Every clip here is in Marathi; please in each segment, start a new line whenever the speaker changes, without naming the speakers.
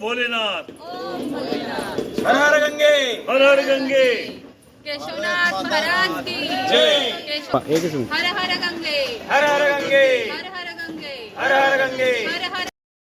भोलेनाथ।
हर हर गंगे,
हर हर गंगे।
केशवनाथ महाराज की
जय।
हर हर गंगे,
हर हर गंगे,
हर हर गंगे,
हर हर गंगे।
हर हर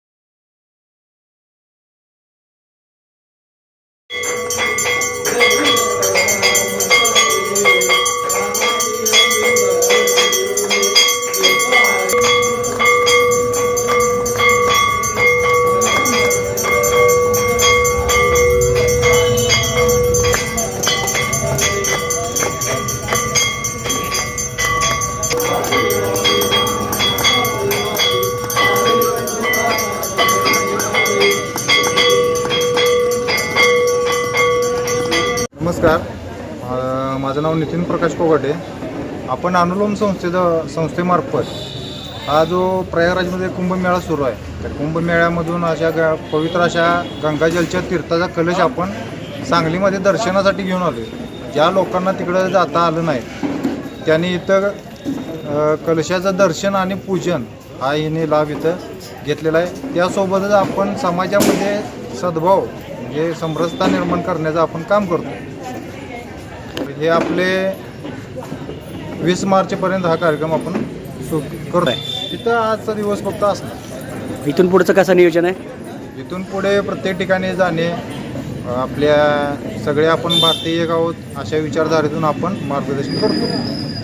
नमस्कार, माझं नाव नितीन प्रकाश कोगाटे. आपण अनुलोम संस्थेमार्फत हा जो प्रयागराजमध्ये कुंभमेळा सुरू आहे, त्या कुंभमेळ्यामधून पवित्र अशा गंगाजलच्या तीर्थाचा कलश आपण सांगलीमध्ये दर्शनासाठी घेऊन आलो. ज्या लोकांना तिकडं जाता आलं नाही त्यांनी इथं कलशाचं दर्शन आणि पूजन हा हिने लाभ इथं घेतलेला आहे. त्यासोबतच आपण समाजामध्ये सद्भाव म्हणजे समरसता निर्माण करण्याचं आपण काम करतो. हे आपले 20 मार्चपर्यंत हा कार्यक्रम आपण करतो आहे. तिथं आजचा दिवस फक्त असणार.
इथून पुढचं कसं नियोजन आहे?
इथून पुढे प्रत्येक ठिकाणी जाणे, आपल्या सगळे आपण भारतीय आहोत अशा विचारधारेतून आपण मार्गदर्शन करतो.